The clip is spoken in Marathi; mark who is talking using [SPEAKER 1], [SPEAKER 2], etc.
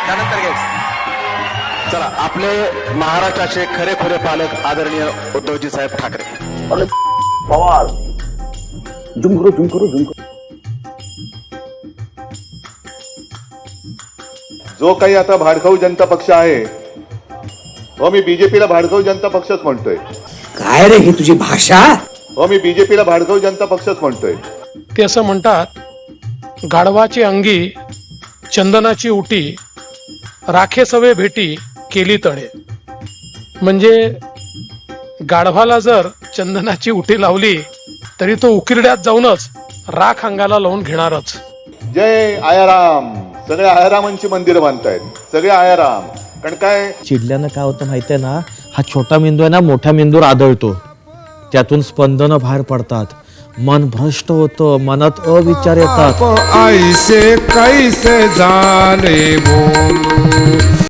[SPEAKER 1] त्यानंतर घ्यायचं. चला, आपले महाराष्ट्राचे खरेखुरे पालक आदरणीय उद्धवजी साहेब ठाकरे.
[SPEAKER 2] पवार झुम करो.
[SPEAKER 3] जो काही आता भाडखाऊ जनता पक्ष आहे, हो मी बीजेपीला भाडखाऊ जनता पक्षच म्हणतोय.
[SPEAKER 2] काय रे ही तुझी भाषा?
[SPEAKER 3] हो मी बीजेपीला भाडखाऊ जनता पक्षच म्हणतोय.
[SPEAKER 4] ते असं म्हणतात, गाढवाची अंगी चंदनाची उटी, राखे सवे भेटी केली तळे. म्हणजे गाढवाला जर चंदनाची उटी लावली तरी तो उकिरड्यात जाऊनच राख अंगाला लावून घेणारच.
[SPEAKER 3] जय आयाराम. सगळे आयारामांची मंदिरं बांधतायत, सगळे आयाराम. कारण काय
[SPEAKER 5] चिडल्यानं काय होतं माहितीये ना, हा छोटा मेंदू आहे ना मोठ्या मेंदूवर आदळतो, त्यातून स्पंदनं बाहेर पडतात, मन भ्रष्ट होतं, मनात अविचार येतात.
[SPEAKER 6] ऐसे कैसे झाले भो